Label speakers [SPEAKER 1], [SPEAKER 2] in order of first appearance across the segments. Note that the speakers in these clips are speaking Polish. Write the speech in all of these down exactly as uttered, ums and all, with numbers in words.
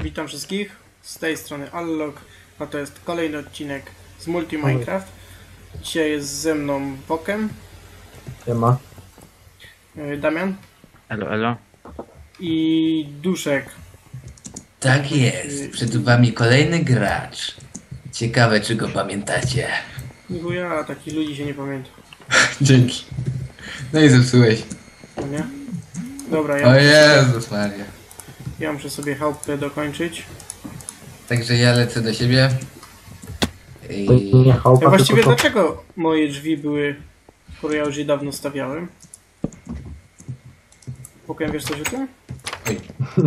[SPEAKER 1] Witam wszystkich, z tej strony Allog, a to jest kolejny odcinek z Multi Minecraft. Dzisiaj jest ze mną Wokem,
[SPEAKER 2] Siema.
[SPEAKER 1] Damian
[SPEAKER 3] Elo, elo.
[SPEAKER 1] i Duszek.
[SPEAKER 4] Tak jest, przed wami kolejny gracz. Ciekawe, czy go pamiętacie.
[SPEAKER 1] Bo ja takich ludzi się nie pamiętam,
[SPEAKER 4] Dzięki. No i zepsułeś.
[SPEAKER 1] no nie? Dobra, ja,
[SPEAKER 4] O
[SPEAKER 1] muszę,
[SPEAKER 4] Jezus Maria.
[SPEAKER 1] ja muszę sobie chałupkę dokończyć.
[SPEAKER 4] Także ja lecę do siebie.
[SPEAKER 2] To
[SPEAKER 4] I...
[SPEAKER 2] nie
[SPEAKER 1] A
[SPEAKER 2] chałupa,
[SPEAKER 1] właściwie
[SPEAKER 2] tylko
[SPEAKER 1] dlaczego moje drzwi były, które ja już je dawno stawiałem? Wokem, wiesz coś o tym?
[SPEAKER 4] Oj,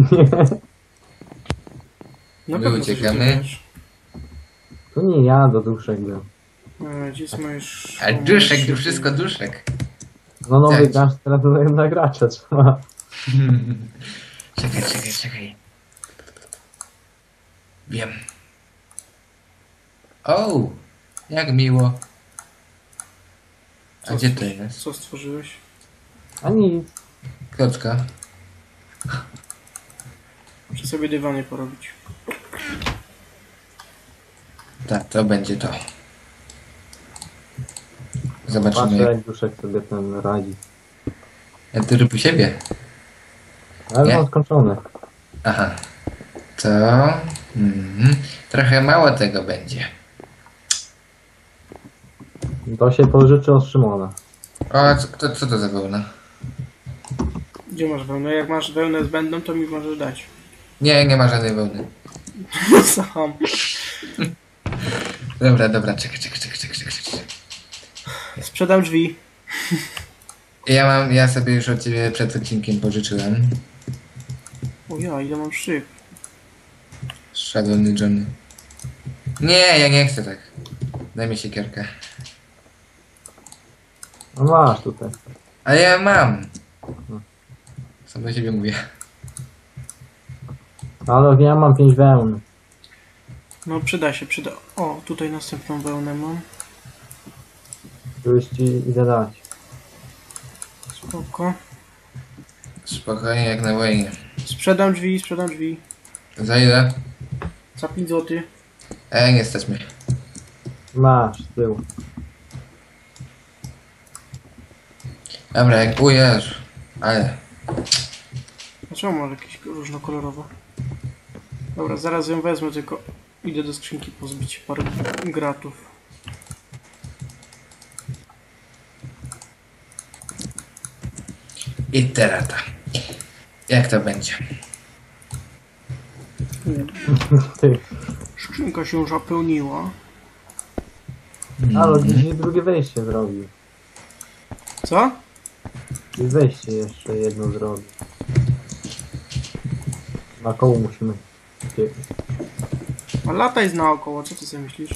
[SPEAKER 1] Na
[SPEAKER 4] My
[SPEAKER 1] pewno coś o tym
[SPEAKER 4] uciekamy.
[SPEAKER 1] wiesz.
[SPEAKER 2] to nie ja, do duszek był.
[SPEAKER 1] E, Gdzie jest moje sz-
[SPEAKER 4] a duszek, to wszystko duszek.
[SPEAKER 2] No nowy
[SPEAKER 4] Tak.
[SPEAKER 2] gracz, teraz byłem na gracza, trzeba.
[SPEAKER 4] Czekaj, czekaj, czekaj. Wiem. O, jak miło. A
[SPEAKER 1] Co
[SPEAKER 4] gdzie to
[SPEAKER 1] stwórz-
[SPEAKER 4] jest?
[SPEAKER 1] Co stworzyłeś?
[SPEAKER 2] A nic.
[SPEAKER 4] Klocka.
[SPEAKER 1] Muszę sobie dywany porobić.
[SPEAKER 4] Tak, to będzie to.
[SPEAKER 2] Patrzę,
[SPEAKER 4] Zobaczymy.
[SPEAKER 2] jak duszek sobie ten radzi.
[SPEAKER 4] Ja tu rób u siebie.
[SPEAKER 2] Ale
[SPEAKER 4] Nie?
[SPEAKER 2] mam skończone.
[SPEAKER 4] Aha. To... Mhm. Trochę mało tego będzie.
[SPEAKER 2] To się pożyczy od Szymona.
[SPEAKER 4] O, co, to, co to za wełna?
[SPEAKER 1] Gdzie masz wełnę? Jak masz wełnę zbędną, to mi możesz dać.
[SPEAKER 4] Nie, nie ma żadnej wełny.
[SPEAKER 1] Sam.
[SPEAKER 4] Dobra, dobra, czekaj, czekaj, czekaj, czekaj, czekaj. czekaj.
[SPEAKER 1] Sprzedam drzwi.
[SPEAKER 4] Ja mam, ja sobie już od ciebie przed odcinkiem pożyczyłem.
[SPEAKER 1] O ja, ile mam szyb.
[SPEAKER 4] Szalony Johnny. Nie, ja nie chcę tak. Daj mi siekierkę.
[SPEAKER 2] No masz tutaj.
[SPEAKER 4] Ale ja mam. Sam do siebie mówię.
[SPEAKER 2] Ale ja mam pięć wełn.
[SPEAKER 1] No przyda się, przyda. O, tutaj następną wełnę mam.
[SPEAKER 2] Już ci idę dać.
[SPEAKER 1] Spoko.
[SPEAKER 4] Spokojnie, jak na wojnie.
[SPEAKER 1] Sprzedam drzwi, sprzedam drzwi.
[SPEAKER 4] Za ile?
[SPEAKER 1] Za pięć złotych.
[SPEAKER 4] Ej, nie stać mnie.
[SPEAKER 2] Masz, z tyłu.
[SPEAKER 4] Dobra, jak ujesz. Ale.
[SPEAKER 1] Dlaczego masz jakieś różnokolorowe? Dobra, zaraz ją wezmę, tylko idę do skrzynki pozbić parę gratów.
[SPEAKER 4] I teraz to. Jak to będzie?
[SPEAKER 2] Ty.
[SPEAKER 1] Skrzynka się już zapełniła.
[SPEAKER 2] Ale gdzieś drugie wejście zrobił.
[SPEAKER 1] Co?
[SPEAKER 2] I wejście jeszcze jedno zrobił. Na koło musimy. Ty.
[SPEAKER 1] A lataj z naokoło, co ty sobie myślisz?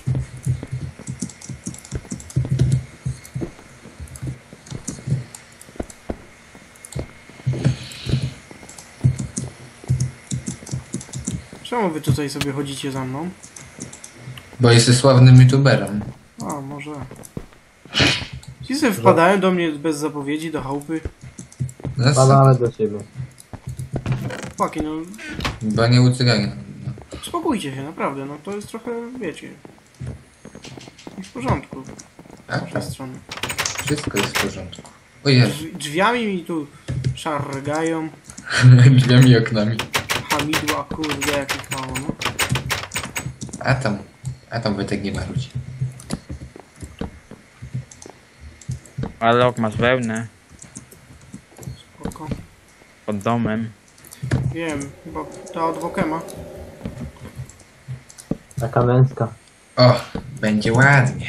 [SPEAKER 1] Czemu wy tutaj sobie chodzicie za mną?
[SPEAKER 4] Bo jesteś sławnym youtuberem.
[SPEAKER 1] A, może. Ci sobie wpadają do mnie bez zapowiedzi, do chałupy.
[SPEAKER 4] No, co?
[SPEAKER 2] Spadamy do ciebie.
[SPEAKER 1] Chłopaki, no
[SPEAKER 4] Bo nie ucygania. No.
[SPEAKER 1] spokójcie się, naprawdę, no to jest trochę, wiecie, nie w porządku
[SPEAKER 4] A,
[SPEAKER 1] z waszej strony.
[SPEAKER 4] wszystko jest w porządku. O Jezu.
[SPEAKER 1] Drzwi- Drzwiami mi tu szargają,
[SPEAKER 4] Drzwiami i oknami.
[SPEAKER 1] hamidła, kurde, jakich mało, no.
[SPEAKER 4] A tam. A tam Wojtek nie marudzi.
[SPEAKER 3] Alok, masz wełnę
[SPEAKER 1] Spoko.
[SPEAKER 3] pod domem.
[SPEAKER 1] Wiem, chyba ta od Wokema.
[SPEAKER 2] Taka męska.
[SPEAKER 4] O, będzie ładnie.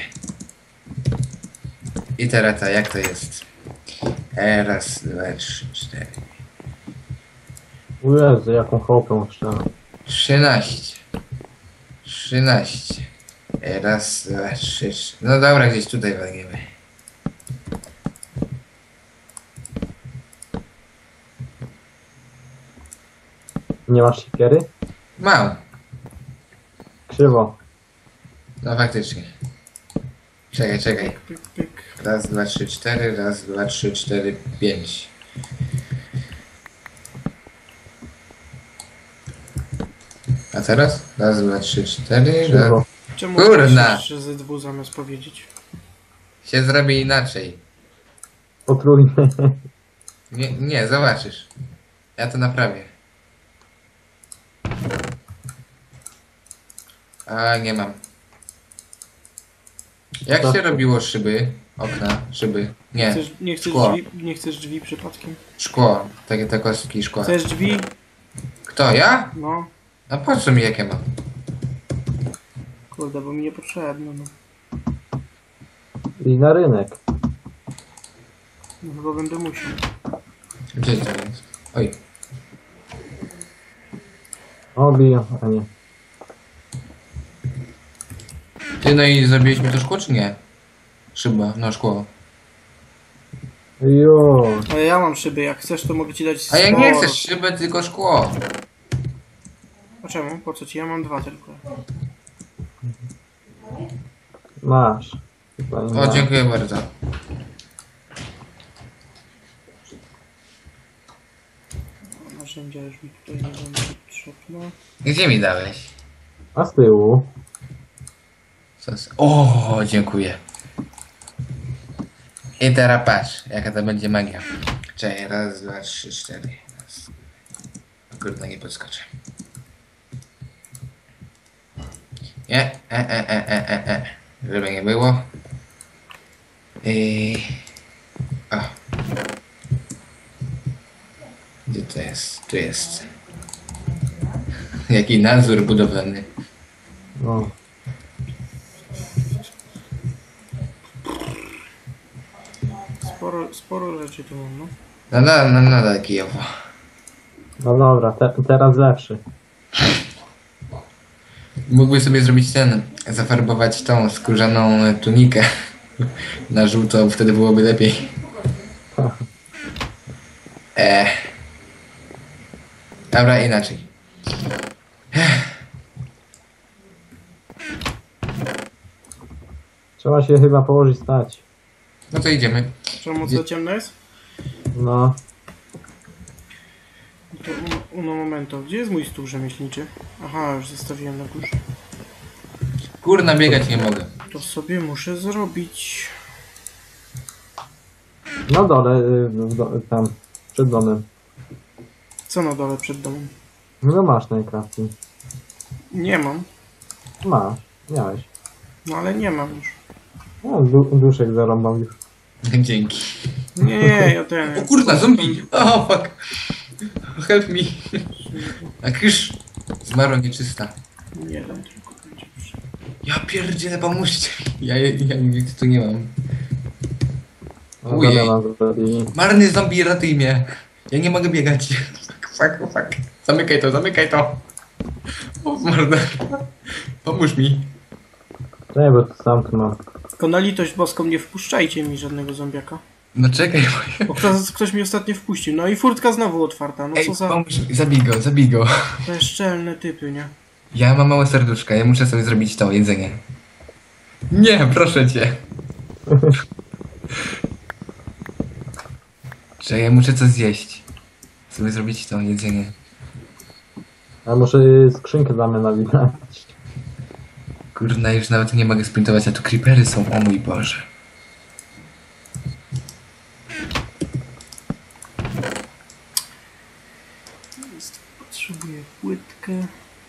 [SPEAKER 4] I teraz to, jak to jest? E, raz, dwa, trzy, cztery.
[SPEAKER 2] O Jezu, jaką chałupę trzeba.
[SPEAKER 4] Trzynaście. Trzynaście. E, raz, dwa, trzy, trzy. No dobra, gdzieś tutaj walniemy.
[SPEAKER 2] Nie masz siekiery?
[SPEAKER 4] Mam.
[SPEAKER 2] Krzywo.
[SPEAKER 4] No faktycznie. Czekaj, czekaj.
[SPEAKER 1] Pyk, pyk.
[SPEAKER 4] Raz, dwa, trzy, cztery. Raz, dwa, trzy, cztery, pięć. A teraz? Raz, dwa, trzy, cztery. Raz.
[SPEAKER 2] Krzywo.
[SPEAKER 1] Czemu
[SPEAKER 4] Kurna.
[SPEAKER 1] że Z dwa zamiast powiedzieć?
[SPEAKER 4] Się zrobi inaczej.
[SPEAKER 2] Potrójnie.
[SPEAKER 4] Nie, nie, zobaczysz. Ja to naprawię. A, nie mam. Jak się robiło szyby? Okna, szyby. Nie,
[SPEAKER 1] Chcesz, nie, chcesz
[SPEAKER 4] szkło.
[SPEAKER 1] drzwi, nie chcesz drzwi przypadkiem?
[SPEAKER 4] Szkło. Takie te kostki szkła.
[SPEAKER 1] Chcesz drzwi?
[SPEAKER 4] Kto, ja?
[SPEAKER 1] No.
[SPEAKER 4] A po co mi jakie mam?
[SPEAKER 1] Kurde, bo mi niepotrzebne, no.
[SPEAKER 2] I na rynek.
[SPEAKER 1] No chyba będę musiał.
[SPEAKER 4] Gdzie to jest? Oj.
[SPEAKER 2] O, biją, a nie.
[SPEAKER 4] Ty, no i zrobiliśmy to szkło, czy nie? Szyba, no szkło.
[SPEAKER 2] Jo.
[SPEAKER 1] Ale ja mam szyby, jak chcesz to mogę ci dać
[SPEAKER 4] A ja nie
[SPEAKER 1] sporo.
[SPEAKER 4] chcę szybę, tylko szkło.
[SPEAKER 1] A czemu? Po co ci? Ja mam dwa tylko.
[SPEAKER 2] Masz. Chyba nie
[SPEAKER 4] O,
[SPEAKER 2] ma.
[SPEAKER 4] dziękuję bardzo.
[SPEAKER 1] Narzędzia już mi tutaj nie będą potrzebne.
[SPEAKER 4] Gdzie mi dałeś?
[SPEAKER 2] A z tyłu?
[SPEAKER 4] Co z... O, dziękuję. I teraz patrz, jaka to będzie magia. Czekaj, raz, dwa, trzy, cztery. Raz. Kurde, nie podskoczę. Nie, e, e, e, e, e, e. Żeby nie było. I... O. Gdzie to jest? Tu jest. Jaki nadzór budowlany.
[SPEAKER 2] No.
[SPEAKER 1] Sporo, sporo rzeczy tu mam, no.
[SPEAKER 4] No, no, no, no, no Kijowo.
[SPEAKER 2] No dobra, te, teraz lepszy.
[SPEAKER 4] Mógłby sobie zrobić ten, zafarbować tą skórzaną tunikę na żółto, wtedy byłoby lepiej. E. Dobra, inaczej.
[SPEAKER 2] Trzeba się chyba położyć stać.
[SPEAKER 4] No to idziemy.
[SPEAKER 1] Czemu co ciemno jest?
[SPEAKER 2] No.
[SPEAKER 1] To un- uno momento. Gdzie jest mój stół rzemieślniczy? Aha, już zostawiłem na górze.
[SPEAKER 4] Kurna, biegać nie mogę.
[SPEAKER 1] To sobie muszę zrobić.
[SPEAKER 2] Na dole, y, w do, tam, przed domem.
[SPEAKER 1] Co na dole przed domem?
[SPEAKER 2] No masz najkrafty.
[SPEAKER 1] Nie mam.
[SPEAKER 2] Masz, miałeś.
[SPEAKER 1] No ale nie mam już.
[SPEAKER 2] No, du, duszek zarąbał już.
[SPEAKER 4] Dzięki.
[SPEAKER 1] Nie, nie, ja ten.
[SPEAKER 4] O kurna, zombie! O, fuck. Help me. A kysz. Zmarła nieczysta.
[SPEAKER 1] Jeden tylko będzie.
[SPEAKER 4] Ja pierdzielę, pomóżcie mi. Ja, ja, ja nic tu nie mam.
[SPEAKER 2] No,
[SPEAKER 4] Ujej.
[SPEAKER 2] Damiana zrobili.
[SPEAKER 4] Marny zombie, ratuj mnie. Ja nie mogę biegać. Fuck, fuck, fuck. Zamykaj to, zamykaj to. O, marne. Pomóż mi.
[SPEAKER 2] Nie, bo to sam tu ma.
[SPEAKER 1] Tylko na litość boską nie wpuszczajcie mi żadnego zombiaka.
[SPEAKER 4] No czekaj, bo...
[SPEAKER 1] Bo ktoś, ktoś mi ostatnio wpuścił. No i furtka znowu otwarta. No
[SPEAKER 4] Ej,
[SPEAKER 1] co za
[SPEAKER 4] pomóż mi. Zabij go, zabij go.
[SPEAKER 1] bezczelne typy, nie?
[SPEAKER 4] Ja mam małe serduszka, ja muszę sobie zrobić to jedzenie. Nie, proszę cię. Że ja muszę coś zjeść. Sobie zrobić to jedzenie.
[SPEAKER 2] A muszę skrzynkę Damiana widać.
[SPEAKER 4] Kurna, już nawet nie mogę sprintować, a tu creepery są, o mój Boże.
[SPEAKER 1] Jest- Potrzebuję płytkę.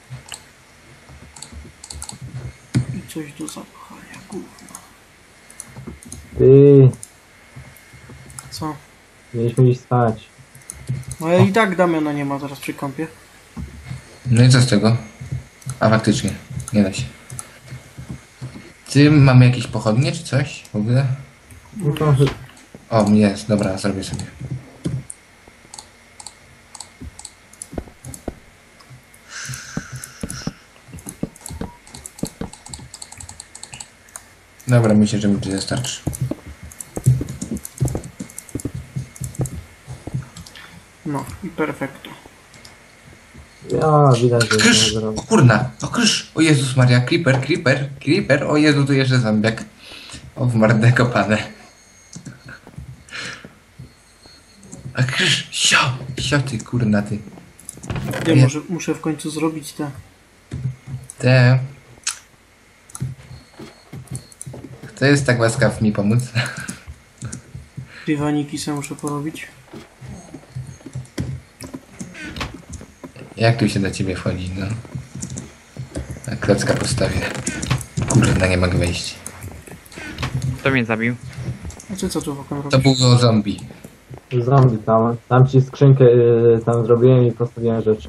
[SPEAKER 1] I coś do zapchania, gówno.
[SPEAKER 2] Ty,
[SPEAKER 1] Co?
[SPEAKER 2] mieliśmy iść stać.
[SPEAKER 1] No ale i tak Damiana nie ma teraz przy kąpie.
[SPEAKER 4] No i co z tego? A faktycznie, nie da się. Ty, mamy jakieś pochodnie czy coś w ogóle?
[SPEAKER 2] No to,
[SPEAKER 4] O, jest, dobra, zrobię sobie. Dobra, myślę, że mi to wystarczy.
[SPEAKER 1] No i perfekto.
[SPEAKER 2] ja widać, że
[SPEAKER 4] Krysz!
[SPEAKER 2] nie
[SPEAKER 4] O
[SPEAKER 2] zrobił.
[SPEAKER 4] kurna! O krysz! O Jezus Maria, creeper, creeper, creeper! O Jezu, tu jeszcze zombiak. O, w mordę kopane. A krysz! Sio! Sio ty, kurna ty.
[SPEAKER 1] Ja może, muszę w końcu zrobić te
[SPEAKER 4] Kurde. Kto jest tak łaskaw mi pomóc?
[SPEAKER 1] Dywaniki sobie muszę porobić.
[SPEAKER 4] Jak tu się do ciebie wchodzi, no? Na klocka postawię. Kurde, nie mogę wejść.
[SPEAKER 3] Kto mnie zabił?
[SPEAKER 1] A ty co tu wokół robisz?
[SPEAKER 4] To było zombie.
[SPEAKER 2] Zombie tam. Tam ci skrzynkę y, tam zrobiłem i postawiłem rzeczy.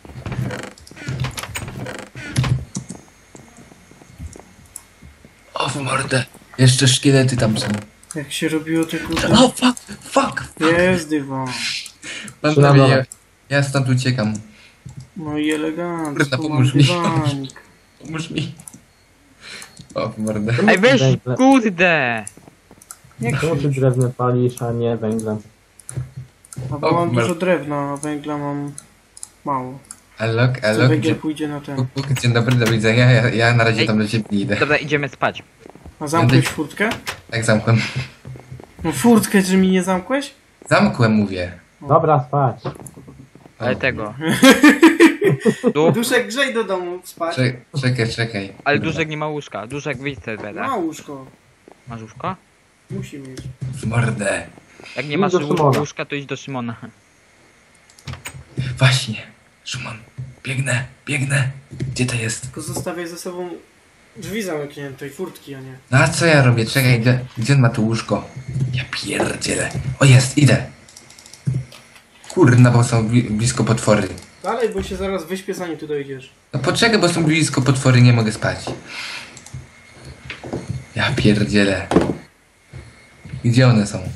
[SPEAKER 4] O, w mordę. Jeszcze szkielety tam są.
[SPEAKER 1] Jak się robiło te kurde...
[SPEAKER 4] O, fuck, fuck.
[SPEAKER 1] Jest dywan.
[SPEAKER 4] Pan
[SPEAKER 2] Trzy na
[SPEAKER 4] prawie,
[SPEAKER 2] dole.
[SPEAKER 4] ja, ja stąd uciekam.
[SPEAKER 1] No i elegancko,
[SPEAKER 4] Kurde,
[SPEAKER 1] mam
[SPEAKER 4] pomóż mi.
[SPEAKER 1] dywanik.
[SPEAKER 4] Pomóż mi. O, w mordę.
[SPEAKER 3] Ej, weź,
[SPEAKER 2] Węgle.
[SPEAKER 3] kurde!
[SPEAKER 1] Nie
[SPEAKER 2] Czemu ty
[SPEAKER 1] krzycz.
[SPEAKER 2] drewno palisz, a nie węglem?
[SPEAKER 1] A bo
[SPEAKER 4] O,
[SPEAKER 1] mam
[SPEAKER 4] mer-
[SPEAKER 1] dużo drewna, a węgla mam mało.
[SPEAKER 4] Alok,
[SPEAKER 1] Co
[SPEAKER 4] alok.
[SPEAKER 1] węgiel
[SPEAKER 4] Dzień,
[SPEAKER 1] pójdzie na ten.
[SPEAKER 4] puk, puk, dzień dobry, do widzenia. Ja, ja na razie
[SPEAKER 3] Ej.
[SPEAKER 4] tam do ciebie nie idę.
[SPEAKER 3] Dobra, idziemy spać.
[SPEAKER 1] A zamkłeś furtkę?
[SPEAKER 4] Tak zamkłem.
[SPEAKER 1] No furtkę, czy mi nie zamkłeś?
[SPEAKER 4] Zamkłem, mówię.
[SPEAKER 2] Dobra, spać.
[SPEAKER 3] Ale
[SPEAKER 4] O,
[SPEAKER 3] tego. Tu?
[SPEAKER 1] Duszek, grzej do domu spać.
[SPEAKER 4] Czekaj, czekaj, czekaj.
[SPEAKER 3] Ale Duszek nie ma łóżka. Duszek, wyjdź z serwera.
[SPEAKER 1] Ma łóżko.
[SPEAKER 3] Masz łóżko?
[SPEAKER 1] Musi mieć.
[SPEAKER 4] W mordę.
[SPEAKER 3] Jak nie
[SPEAKER 2] Idź
[SPEAKER 3] masz
[SPEAKER 2] do
[SPEAKER 3] łó-
[SPEAKER 2] Szymona.
[SPEAKER 3] łóżka, to idź do Szymona.
[SPEAKER 4] Właśnie. Szymon, biegnę, biegnę. Gdzie to jest?
[SPEAKER 1] Tylko zostawiaj ze sobą drzwi zamknięte i furtki, a nie.
[SPEAKER 4] No a co ja robię? Czekaj, gdzie, gdzie on ma tu łóżko? Ja pierdzielę. O, jest, idę. Kurna, bo są bli blisko potwory.
[SPEAKER 1] Dalej, bo się zaraz wyśpię, zanim tu dojdziesz.
[SPEAKER 4] No poczekaj, bo są blisko potwory, nie mogę spać. Ja pierdzielę. Gdzie one są?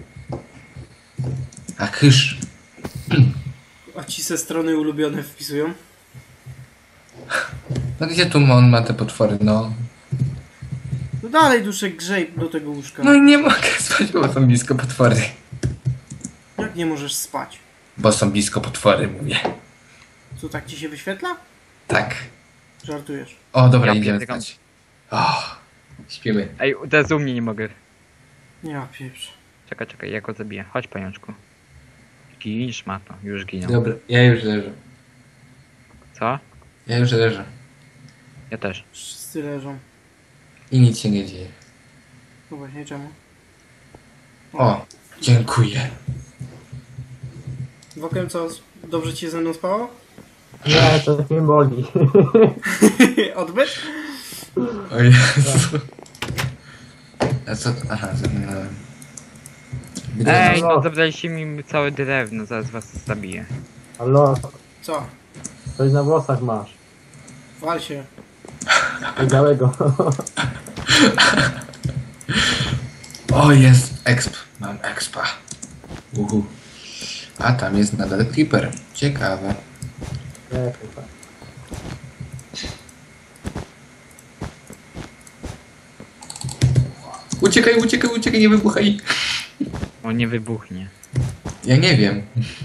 [SPEAKER 4] A kysz.
[SPEAKER 1] A ci ze strony ulubione wpisują?
[SPEAKER 4] No gdzie tu on ma te potwory, no?
[SPEAKER 1] No dalej, Duszek, grzej do tego łóżka.
[SPEAKER 4] No i nie mogę spać, bo są blisko potwory.
[SPEAKER 1] Jak nie możesz spać?
[SPEAKER 4] Bo są blisko potwory, mówię.
[SPEAKER 1] Co, tak ci się wyświetla?
[SPEAKER 4] Tak.
[SPEAKER 1] Żartujesz.
[SPEAKER 4] O, dobra,
[SPEAKER 3] Ja
[SPEAKER 4] idziemy
[SPEAKER 3] pierdykam.
[SPEAKER 4] spać. O, śpimy.
[SPEAKER 3] Ej, teraz u mnie nie mogę.
[SPEAKER 1] Ja pieprz.
[SPEAKER 3] Czekaj, czekaj, ja go zabiję. Chodź, pajączku. Gin, szmato. Już giną.
[SPEAKER 4] Dobra, ja już leżę.
[SPEAKER 3] Co?
[SPEAKER 4] Ja już leżę.
[SPEAKER 3] Ja też.
[SPEAKER 1] Wszyscy leżą.
[SPEAKER 4] I nic się nie dzieje.
[SPEAKER 1] No właśnie, czemu?
[SPEAKER 4] O, dziękuję.
[SPEAKER 1] Wokem co? Dobrze ci się ze mną spało?
[SPEAKER 2] Nie, to tak mnie boli.
[SPEAKER 1] Odbyt?
[SPEAKER 4] O Jezu. A co? Aha, zamknąłem.
[SPEAKER 3] Ej,
[SPEAKER 2] no.
[SPEAKER 3] no zabraliście mi całe drewno, zaraz was zabiję.
[SPEAKER 2] Halo,
[SPEAKER 1] Co?
[SPEAKER 2] coś na włosach masz.
[SPEAKER 1] Wal się.
[SPEAKER 2] Białego.
[SPEAKER 4] O, jest exp. Mam expa. Uhu. A tam jest nadal creeper. Ciekawe.
[SPEAKER 2] Nie, chyba.
[SPEAKER 4] Uciekaj, uciekaj, uciekaj, nie wybuchaj.
[SPEAKER 3] On nie wybuchnie.
[SPEAKER 4] Ja nie wiem.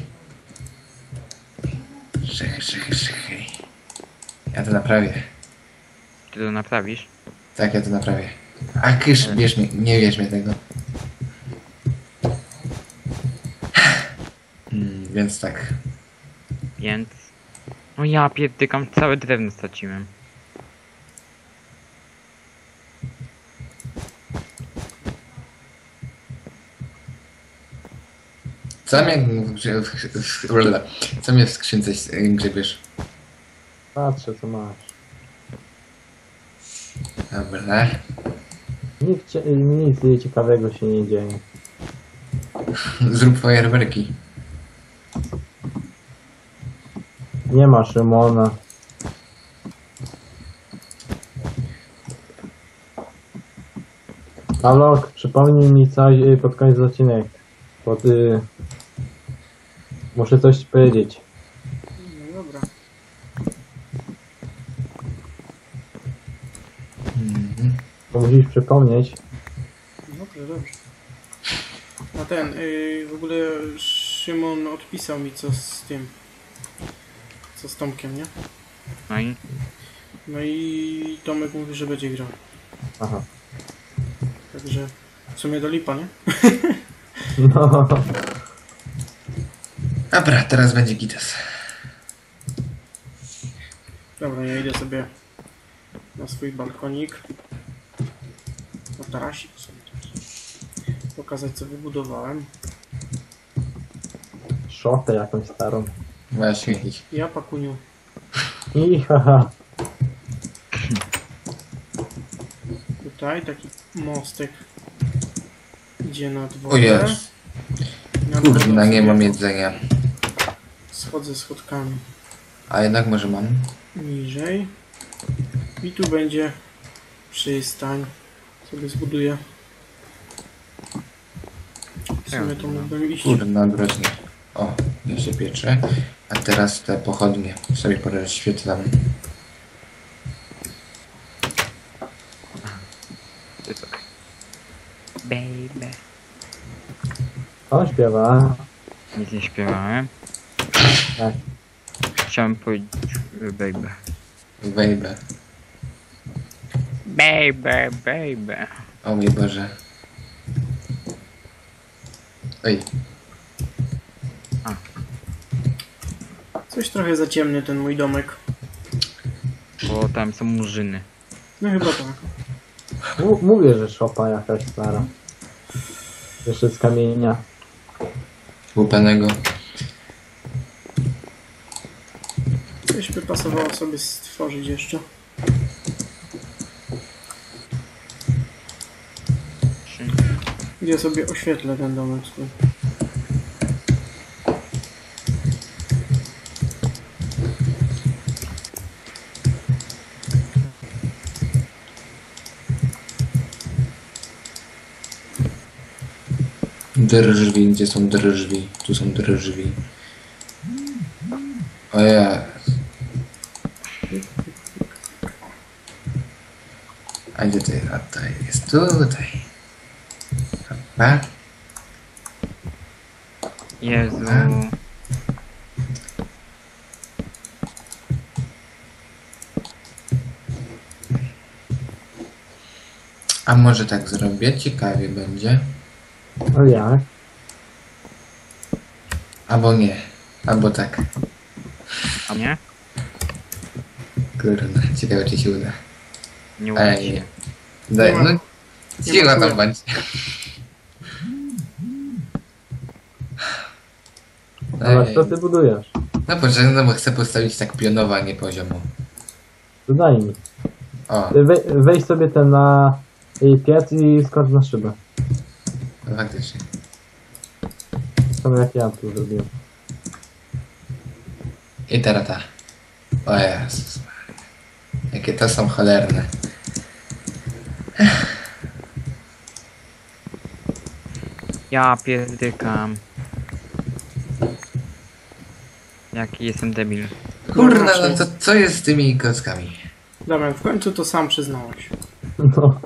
[SPEAKER 4] Czekaj, czekaj, czekaj. Ja to naprawię.
[SPEAKER 3] Ty to naprawisz?
[SPEAKER 4] Tak, ja to naprawię. A kysz, bierz mnie, nie bierz mnie tego. Hmm, więc tak.
[SPEAKER 3] Więc... No ja pierdykam, całe drewno straciłem.
[SPEAKER 4] Co mnie, w grze- w- w- w- co mnie w skrzynce y, grzebiesz?
[SPEAKER 2] Patrzę, co masz.
[SPEAKER 4] Dobra.
[SPEAKER 2] Nic, cie- nic ciekawego się nie dzieje.
[SPEAKER 4] Zrób fajerwerki.
[SPEAKER 2] Nie ma Szymona. Alok, przypomnij mi coś y, pod koniec odcinek. Pod, y... Muszę coś ci powiedzieć.
[SPEAKER 1] No dobra.
[SPEAKER 4] Mhm.
[SPEAKER 2] To musisz przypomnieć.
[SPEAKER 1] Dobrze, dobrze. A ten, yy, w ogóle Szymon odpisał mi co z tym. Co z Tomkiem, nie?
[SPEAKER 3] No i...
[SPEAKER 1] No i Tomek mówi, że będzie grał.
[SPEAKER 2] Aha.
[SPEAKER 1] Także w sumie do lipa, nie?
[SPEAKER 2] No.
[SPEAKER 4] Dobra, teraz będzie gites.
[SPEAKER 1] Dobra, ja idę sobie na swój balkonik. Na tarasik sobie taki. Pokazać co wybudowałem.
[SPEAKER 2] Szopę jakąś starą.
[SPEAKER 4] Właśnie.
[SPEAKER 1] Ja pakuniu.
[SPEAKER 2] I haha.
[SPEAKER 1] Tutaj taki mostek idzie nad
[SPEAKER 4] O
[SPEAKER 1] wodę.
[SPEAKER 4] jest.
[SPEAKER 1] Nad
[SPEAKER 4] Kurna,
[SPEAKER 1] wodą
[SPEAKER 4] nie
[SPEAKER 1] sobie
[SPEAKER 4] mam jedzenia.
[SPEAKER 1] Schodzę schodkami
[SPEAKER 4] A jednak może mam.
[SPEAKER 1] niżej. I tu będzie przystań. Sobie zbuduję. W sumie to mógłbym iść.
[SPEAKER 4] Kurna, groźnie. O, ja się pieczę. A teraz te pochodnie sobie porozświetlam.
[SPEAKER 3] Baby.
[SPEAKER 2] On śpiewa.
[SPEAKER 3] Nic nie śpiewałem.
[SPEAKER 2] Tak.
[SPEAKER 3] Chciałem powiedzieć y, baby.
[SPEAKER 4] Wejbę.
[SPEAKER 3] Baby, baby.
[SPEAKER 4] O mój Boże. Oj,
[SPEAKER 1] Coś trochę za ciemny ten mój domek.
[SPEAKER 3] Bo tam są murzyny.
[SPEAKER 1] No chyba tak.
[SPEAKER 2] M- mówię, że szopa jakaś stara. Jeszcze z kamienia.
[SPEAKER 4] łupanego.
[SPEAKER 1] Coś by pasowało sobie stworzyć jeszcze.
[SPEAKER 3] Trzy.
[SPEAKER 1] Gdzie sobie oświetlę ten domek swój.
[SPEAKER 4] Drżwi, gdzie są drżwi? Tu są drżwi. O ja. A gdzie to jest? A to jest tutaj. Chyba.
[SPEAKER 3] Jezu.
[SPEAKER 4] A może tak zrobię? Ciekawie będzie.
[SPEAKER 2] No jak?
[SPEAKER 4] Albo nie. Albo tak.
[SPEAKER 3] A mnie?
[SPEAKER 4] Kurde, ciekawe czy się uda.
[SPEAKER 3] Nie uda
[SPEAKER 4] Ej,
[SPEAKER 3] się.
[SPEAKER 4] nie. Daj,
[SPEAKER 1] Nie ma-
[SPEAKER 4] no.
[SPEAKER 1] nie
[SPEAKER 4] Siła
[SPEAKER 1] ma
[SPEAKER 4] tam
[SPEAKER 1] chuja.
[SPEAKER 4] będzie.
[SPEAKER 2] Ale
[SPEAKER 4] Ej,
[SPEAKER 2] co ty budujesz?
[SPEAKER 4] no poczekaj, no bo chcę postawić tak pionowo, a nie poziomo.
[SPEAKER 2] To daj mi.
[SPEAKER 4] O,
[SPEAKER 2] We, weź sobie ten na y, piec i skocz na szybę.
[SPEAKER 4] no faktycznie.
[SPEAKER 2] To jak ja tu zrobiłem.
[SPEAKER 4] I teraz ta. O Jezus Maria. Jakie to są cholerne.
[SPEAKER 3] Ja pierdykam. Jaki jestem debil.
[SPEAKER 4] Kurna, no to co jest z tymi kockami?
[SPEAKER 1] Damian, w końcu to sam przyznałeś.
[SPEAKER 2] No.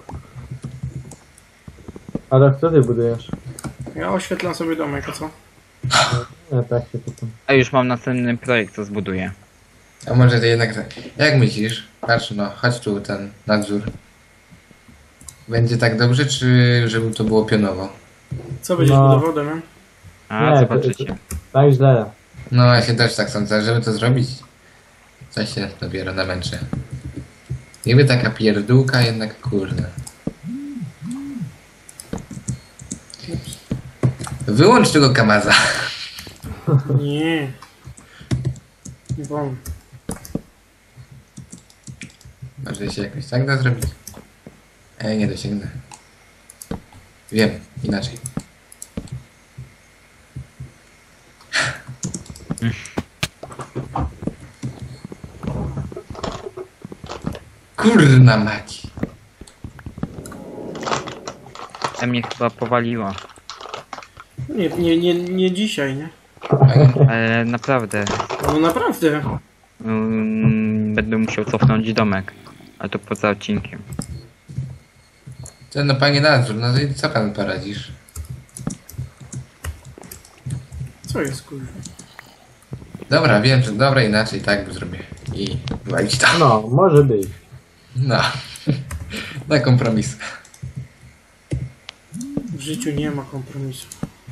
[SPEAKER 2] Ale co ty budujesz?
[SPEAKER 1] Ja oświetlam sobie domek, a co?
[SPEAKER 2] Ja tak się pytam.
[SPEAKER 3] A już mam następny projekt, co zbuduję.
[SPEAKER 4] A może to jednak tak. Jak myślisz? Patrz no, chodź tu ten nadzór. Będzie tak dobrze, czy żeby to było pionowo?
[SPEAKER 1] Co będziesz
[SPEAKER 2] No.
[SPEAKER 1] budował, Damian?
[SPEAKER 3] A,
[SPEAKER 2] Nie,
[SPEAKER 3] zobaczycie.
[SPEAKER 2] Tak źle.
[SPEAKER 4] No ja się też tak sądzę, żeby to zrobić. Coś się dopiero namęczę. Niby taka pierdółka, jednak kurde. Wyłącz tego kamaza.
[SPEAKER 1] Nie. Nie wolno.
[SPEAKER 4] Może się jakoś tak da zrobić? Ej, nie dosięgnę. Wiem, inaczej. Kurna mać.
[SPEAKER 3] Ta mnie chyba powaliła.
[SPEAKER 1] Nie, nie, nie, nie dzisiaj, nie?
[SPEAKER 3] Ale naprawdę.
[SPEAKER 1] No naprawdę.
[SPEAKER 3] Mm, będę musiał cofnąć domek. Ale to poza odcinkiem.
[SPEAKER 4] To no panie nadzór, no to i co pan poradzisz?
[SPEAKER 1] Co jest kurwa?
[SPEAKER 4] Dobra, wiem, że dobra, inaczej tak zrobię. I walić to.
[SPEAKER 2] No, może być.
[SPEAKER 4] No. Na kompromis.
[SPEAKER 1] W życiu nie ma kompromisu.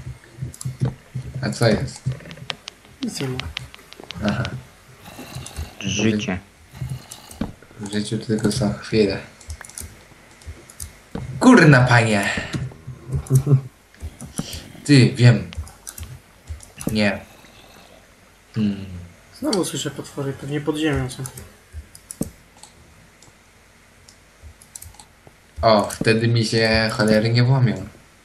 [SPEAKER 4] A co jest?
[SPEAKER 1] Nic nie ma.
[SPEAKER 4] Aha.
[SPEAKER 3] Życie.
[SPEAKER 4] W życiu tylko są chwile. Kurna panie! Ty, wiem. Nie. Hmm.
[SPEAKER 1] Znowu słyszę potwory, pewnie pod ziemią są.
[SPEAKER 4] O, wtedy mi się cholery nie włamią.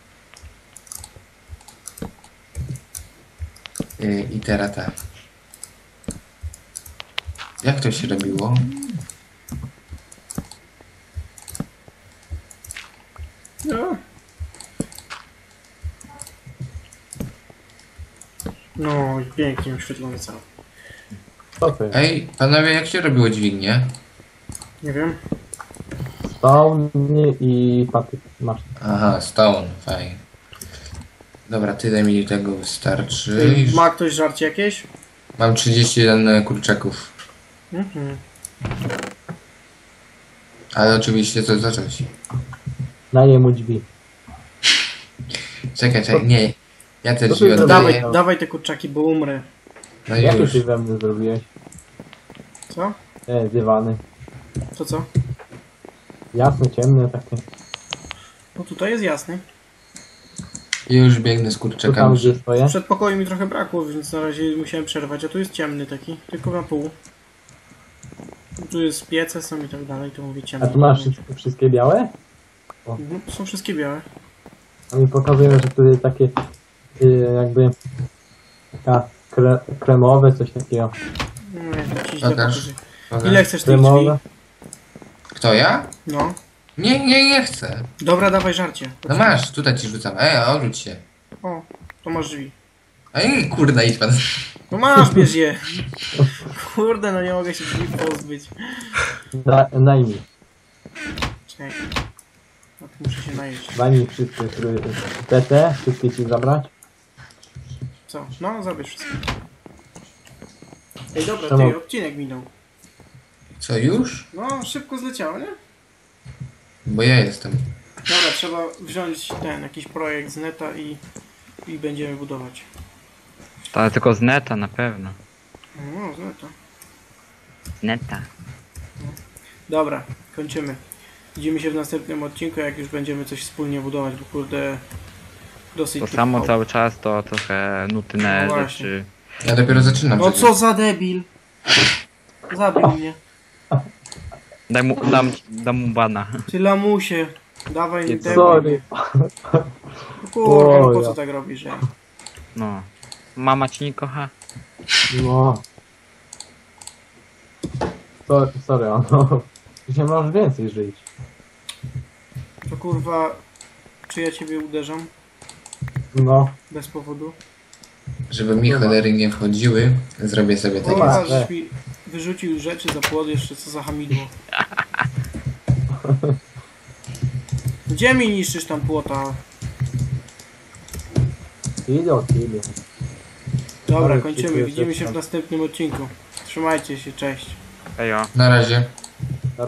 [SPEAKER 4] Yy, I teraz tak. Jak to się robiło?
[SPEAKER 1] No. No i pięknie oświetlony cały.
[SPEAKER 2] Co to jest?
[SPEAKER 4] Ej, panowie, jak się robiło dźwignię?
[SPEAKER 1] Nie wiem.
[SPEAKER 2] Stone i patyk. Masz.
[SPEAKER 4] Aha, stone, fajnie. Dobra, tyle mi tego wystarczy.
[SPEAKER 1] Ej, ma ktoś żarcie jakieś?
[SPEAKER 4] Mam trzydzieści jeden kurczaków.
[SPEAKER 1] Mhm.
[SPEAKER 4] Ale oczywiście to zacząć.
[SPEAKER 2] Daję mu drzwi.
[SPEAKER 4] Czekaj, czekaj, nie. Ja te
[SPEAKER 2] To
[SPEAKER 4] drzwi
[SPEAKER 2] ty
[SPEAKER 1] To
[SPEAKER 4] oddaję.
[SPEAKER 1] dawaj, dawaj te kurczaki, bo umrę.
[SPEAKER 4] No
[SPEAKER 2] Jakie
[SPEAKER 4] już.
[SPEAKER 2] ty we mnie zrobiłeś?
[SPEAKER 1] Co?
[SPEAKER 2] E, dywany.
[SPEAKER 1] To co?
[SPEAKER 2] Jasne, ciemne takie.
[SPEAKER 1] No tutaj jest jasny.
[SPEAKER 4] Już biegnę z
[SPEAKER 2] Tu tam
[SPEAKER 4] kurczakami.
[SPEAKER 2] gdzie stoję.
[SPEAKER 1] W przedpokoju mi trochę brakło, więc na razie musiałem przerwać, a tu jest ciemny taki, tylko na pół. Tu jest piece są i tak dalej, to mówię
[SPEAKER 2] A
[SPEAKER 1] ciemny.
[SPEAKER 2] tu masz wszystkie, wszystkie białe?
[SPEAKER 1] Mhm, to są wszystkie białe.
[SPEAKER 2] A mi pokazują, że tu jest takie y, jakby taka kre, kremowe, coś takiego.
[SPEAKER 1] No jak ci źle
[SPEAKER 4] Pokaż.
[SPEAKER 1] pokażę.
[SPEAKER 4] Pokaż.
[SPEAKER 1] Ile chcesz tych drzwi?
[SPEAKER 2] Kremowe.
[SPEAKER 4] Kto, ja?
[SPEAKER 1] No.
[SPEAKER 4] Nie, nie, nie chcę.
[SPEAKER 1] Dobra, dawaj żarcie.
[SPEAKER 4] No masz, tutaj ci rzucam. Ej, odwróć się.
[SPEAKER 1] O, to masz drzwi.
[SPEAKER 4] Ej, kurna, idź pan.
[SPEAKER 1] No masz, bierz je. Kurde, no nie mogę się drzwi pozbyć.
[SPEAKER 2] Da, daj mi.
[SPEAKER 1] Czekaj. No to muszę się najeść.
[SPEAKER 2] Daj mi wszystkie, które... Te, te, wszystkie ci zabrać.
[SPEAKER 1] Co? No, zabierz wszystko. Ej, dobra,
[SPEAKER 2] Czemu?
[SPEAKER 1] ty, odcinek minął.
[SPEAKER 4] Co, już?
[SPEAKER 1] No, szybko zleciało, nie?
[SPEAKER 4] Bo ja jestem.
[SPEAKER 1] Dobra, trzeba wziąć ten, jakiś projekt z neta i, i będziemy budować.
[SPEAKER 3] Ale tylko z neta na pewno.
[SPEAKER 1] No, z neta.
[SPEAKER 3] Z neta.
[SPEAKER 1] Dobra, kończymy. Widzimy się w następnym odcinku, jak już będziemy coś wspólnie budować, bo kurde... Dosyć...
[SPEAKER 3] To
[SPEAKER 1] tych
[SPEAKER 3] samo
[SPEAKER 1] chałupów.
[SPEAKER 3] cały czas to trochę nudne
[SPEAKER 1] No właśnie.
[SPEAKER 3] rzeczy.
[SPEAKER 4] Ja dopiero zaczynam.
[SPEAKER 1] No
[SPEAKER 4] przecież.
[SPEAKER 1] co za debil! Zabił mnie.
[SPEAKER 3] Daj mu, dam, dam mu bana.
[SPEAKER 1] Ty lamusie. Dawaj mi tego.
[SPEAKER 2] Sorry.
[SPEAKER 1] Kurwa, no po
[SPEAKER 2] O,
[SPEAKER 1] co
[SPEAKER 2] ja.
[SPEAKER 1] tak robisz, ja?
[SPEAKER 3] No. Mama ci nie kocha?
[SPEAKER 2] No. So, sorry, no. Dzisiaj możesz więcej żyć.
[SPEAKER 1] To kurwa... Czy ja ciebie uderzam?
[SPEAKER 2] No.
[SPEAKER 1] Bez powodu?
[SPEAKER 4] Żeby mi cholery nie wchodziły, zrobię sobie takie...
[SPEAKER 1] Kurwa,
[SPEAKER 2] tak.
[SPEAKER 1] żeś mi wyrzucił rzeczy za płot, jeszcze co za hamidło. Gdzie mi niszczysz tam płota?
[SPEAKER 2] Idę, idę.
[SPEAKER 1] Dobra,
[SPEAKER 2] Ale
[SPEAKER 1] kończymy.
[SPEAKER 2] dziękuję
[SPEAKER 1] Widzimy się w
[SPEAKER 2] też.
[SPEAKER 1] następnym odcinku. Trzymajcie się, cześć.
[SPEAKER 3] Ejo.
[SPEAKER 4] Na razie.